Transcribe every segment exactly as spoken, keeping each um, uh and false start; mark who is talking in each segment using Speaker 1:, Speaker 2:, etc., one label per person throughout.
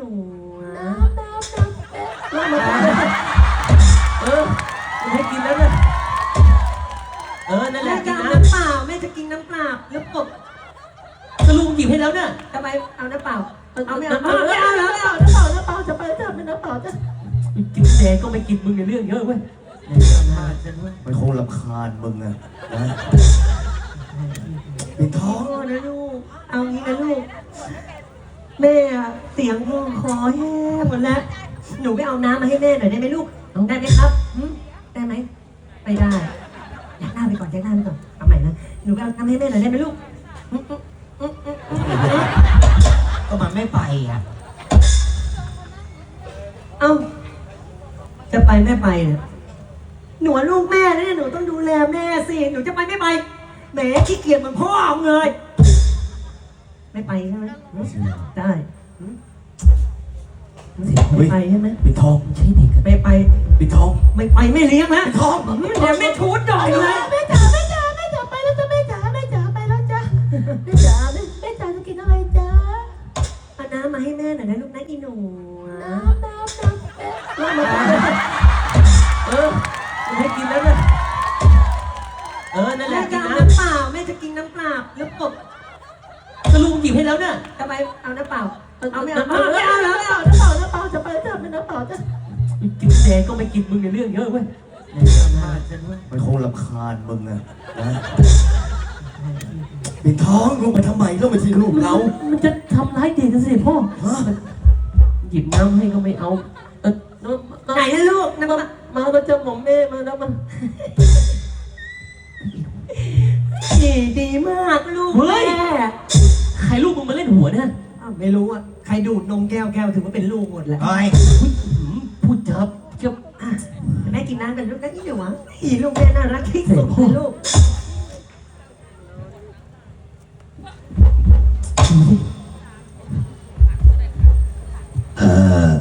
Speaker 1: นู
Speaker 2: น้ำน้ำน้ำน้ำ
Speaker 1: เออให้กินแล้วเนี่ยเออนั่นแห
Speaker 3: แม่
Speaker 1: ละ
Speaker 3: จะ
Speaker 1: กิน
Speaker 3: เอา
Speaker 1: น้
Speaker 3: น้ำเปล่าแม่จะกินน้ำเปล่าแล้วกบ
Speaker 1: ำก็ลุงหยิบให้แล้วเนี่ย
Speaker 3: ทำไมเอาน้ำเปล่าเอาไม่
Speaker 1: น้
Speaker 3: เอาไม่เอาแล้ว
Speaker 2: น้ำเปล่าน้ำเปล่าน้ำเปล่าจะไปจะเป็นน้ำเปล่าจะ
Speaker 1: กินแดงก็ไม่กินมึงในเรื่องเยอะเว้ย
Speaker 4: มันคงรำคาญมึงอะนะปิดท้อง
Speaker 3: พ่อนะลูกเอางี้นะลูกแม่เสียงคอคอแห้งหมดแล้วหนูไปเอาน้ำมาให้แม่หน่อยได้ไหมลูกได้ไหมครับได้ไหมไม่ได้ยักหน้าไปก่อนยักหน้าไปก่อนเอาใหม่นะหนูไปเอาน้ำให้แม่หน่อยได้ไหมลูก
Speaker 4: ก็มันไม่ไปอ่ะ
Speaker 3: เอ้าจะไปไม่ไปเนี่ยหนูลูกแม่นะเนี่ยหนูต้องดูแลแม่สิหนูจะไปไม่ไปแหมขี้เกียจเหมือนพ่อเอาเลย ไม่ไปใช่ไหมได้ไม่ไปใช่ไหม
Speaker 4: ปิดท้อง
Speaker 1: ใช่เด็กอะ
Speaker 3: ไม่ไป
Speaker 4: ปิดท้อง
Speaker 3: ไม่ไปไม่เลี้ยงนะ
Speaker 4: ปิดท้อง
Speaker 3: เดี๋ยวไม่ชูดดอกเลย
Speaker 2: แม่จ๋าแม่จ๋าแม่จ๋าไปแล้วจ้ะแม่จ๋าแม่จ๋าไปแล้วจ้ะแม่จ๋าแม่แม่จ๋าจะกินอะไรจ๊ะ
Speaker 3: เอาน้ำมาให้แม่หน่อยนะลูกนะอีหนู
Speaker 2: น้ำน้ำน้ำน้ำ
Speaker 1: เออให้กินแล้วเนี่ยเออนั่นแห
Speaker 3: แม่
Speaker 1: ละ
Speaker 3: จะ
Speaker 1: กิน
Speaker 3: เอา
Speaker 1: น้
Speaker 3: น้ำเปล่าแม่จะกินน้ำเปล่าแล้วกบ
Speaker 1: ำก็ลุงหยิบให้แล้วเนี่ย
Speaker 3: ทำไมเอาน้ำเปล่าเอาไม่
Speaker 1: น้
Speaker 3: เอาไม่เอาแล้ว
Speaker 2: น้ำเปล่าน้ำเปล่าน้ำเปล่าจะไปจะเป็นน้ำเปล่าจะ
Speaker 1: กินแดงก็ไม่กินมึงในเรื่องเยอะเว้ย
Speaker 4: มันคงรำคาญมึงอะนะปิดท้องลงไปทำไมลงไปที่ลูกเรา
Speaker 1: มันจะทำร้ายเด็กกันสิพ่อ
Speaker 4: ฮะ
Speaker 1: หยิบน้ำให้ก็ไม่เอาเออ
Speaker 3: ไหนนะลูกน้ำเปล่า
Speaker 1: มาแล้วจะหมอมแม่มาแล้วมัน
Speaker 3: ดีดีมากลูกแม่
Speaker 1: ใครลูกมึงมาเล่นหัวเนี่ย
Speaker 3: อ้าวไม่รู้อ่ะใครดูดนมแก้วแก้วถือว่าเป็นลูกหมดแล้ว
Speaker 4: ไอ้
Speaker 1: อุ๊ยหืมพูดจาเกี่ยว
Speaker 3: อ่ะแม่กินน้ำกันลูกนะอีหนูวะอีลูกแม่น่ารักที่สุดเลยลูก
Speaker 4: เออ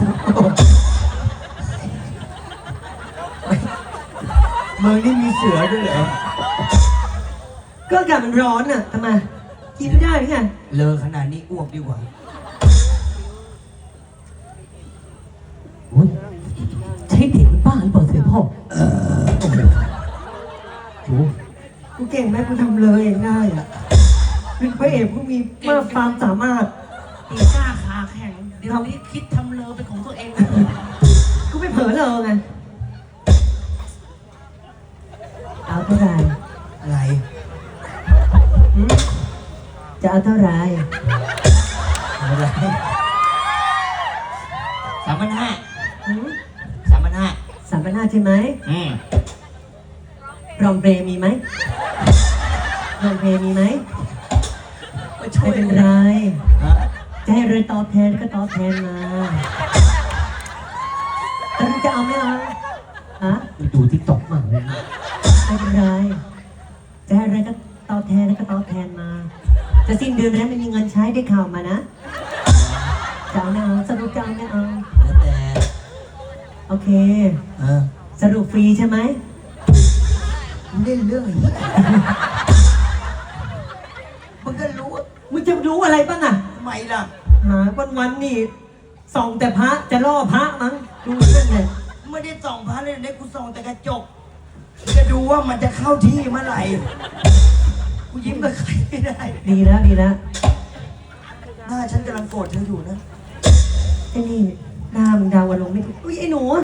Speaker 4: มึงนี่มีเสือด้วยเหรอ
Speaker 3: ก็อากาศมันร้อนอ่ะทำไมกินไม่ได้หรือไง
Speaker 4: เลอขนาดนี้อ้วกดีกว่า
Speaker 1: อุ๊ยใช่เด็กมันบ้าหรือเปล่าเสียพ่อโอ้โหโอ้โห
Speaker 3: กูเก่งไหมกูทำเลยเองได้อ่ะเป็นพระเอกกูมีมากความสามารถ
Speaker 2: ตีก้าขาแข็งเดี๋ยวนี้คิดทำเลอเป็นของตัวเอง
Speaker 3: กูไม่เผลอเลยไงเอาเท่าไหร่
Speaker 4: อะไร
Speaker 3: หืมจะเอาเท่าไหร่
Speaker 4: อะไรสามพันห้า
Speaker 3: หืม
Speaker 4: สามพันห้า
Speaker 3: สามพันห้าใช่ไหม
Speaker 4: อืม
Speaker 3: รองเบรมีไหมรองเบรมีไหม
Speaker 4: มาช่ว
Speaker 3: ไม่
Speaker 4: ย
Speaker 3: เป็นไร
Speaker 4: ฮะ
Speaker 3: จะให้เรือตอบแทนก็ตอบแทนมาแต่มึงจะเอาไม่เอาฮะ
Speaker 1: ดูที่ตกมากเลยนะ
Speaker 3: ไม่เป็นไรจะให้อะไรก็ตอบแทนก็ตอบแทนมา จะสิ้นเดือนแล้วไม่มีเงินใช้ได้ข่าวมานะจะเอาไม่เอาสรุปจะเอาไม่เอา
Speaker 4: แล้วแต่
Speaker 3: โอเค
Speaker 4: เออ
Speaker 3: สรุปฟรีใช่ไหม
Speaker 4: มึงเล่นเรื่องอะไรเนี่ยมึงก็รู้ว่า
Speaker 3: มึงจะรู้อะไรบ้างอะ
Speaker 4: ทำไมล่ะ
Speaker 3: หาวันวันๆนี่ส่องแต่พระจะล่อพระมั้งดูนั่นแหละ
Speaker 4: ไม่ได้ส่องพระเลยเนี่ยกูส่องแต่กระจก จะดูว่ามันจะเข้าที่เมื่อไหร่ กูยิ้มกับใครไม่ได้
Speaker 3: ดีแล้วดีแล้ว
Speaker 4: หน้าฉันกำลังโกรธเธออยู่นะ
Speaker 3: ไอ้นี่หน้ามึงดาวอารมณ์ไม่ถูกอุ้ยไอ้หนู